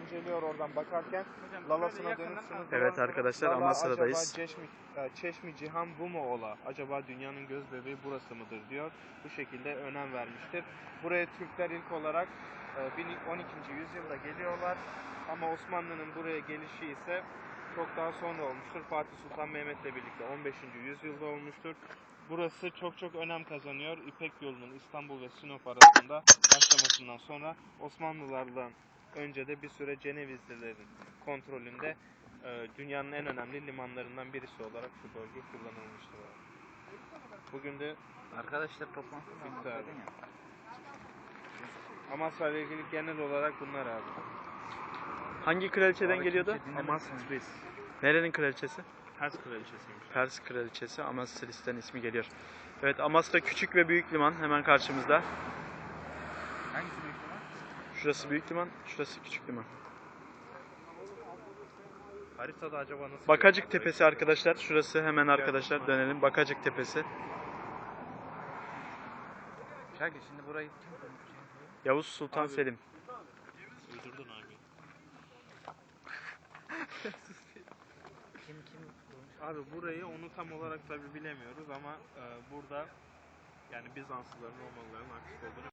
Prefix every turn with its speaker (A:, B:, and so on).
A: inceliyor oradan bakarken. Lalasına dönüp şunu
B: Evet arkadaşlar,
A: Lala
B: Amasra'dayız.
A: acaba Çeşmi Cihan bu mu ola? Acaba dünyanın göz bebeği burası mıdır diyor. Bu şekilde önem vermiştir. Buraya Türkler ilk olarak 12. yüzyılda geliyorlar. Ama Osmanlı'nın buraya gelişi ise çok daha sonra olmuştur. Fatih Sultan Mehmet'le birlikte 15. yüzyılda olmuştur. Burası çok önem kazanıyor. İpek yolunun İstanbul ve Sinop arasında başlamasından sonra Osmanlılardan önce de bir süre Cenevizlilerin kontrolünde dünyanın en önemli limanlarından birisi olarak şu bölge kullanılmıştır. Bugün de
C: Arkadaşlar toplantı
A: bitti abi. Amasra ile ilgili genel olarak bunlar abi.
B: Hangi kraliçeden geliyordu?
A: Amasris.
B: Nerenin kraliçesi?
A: Pers kraliçesiymiş.
B: Pers kraliçesi Amasris'ten ismi geliyor. Evet, Amasra küçük ve büyük liman hemen karşımızda.
C: Hangisi büyük olan?
B: Şurası büyük liman, şurası küçük liman.
A: Haritada acaba nasıl?
B: Bakacık Tepesi arkadaşlar. Şurası hemen arkadaşlar, dönelim. Bakacık Tepesi.
C: Şakir şimdi burayı kim kurmuş?
B: Yavuz Sultan
A: Abi.
B: Selim.
A: Uydurdun abi.
C: Kim kurmuş?
A: Abi burayı onu tam olarak tabi bilemiyoruz ama burada yani Bizanslıların, Romalıların aktif olduğunu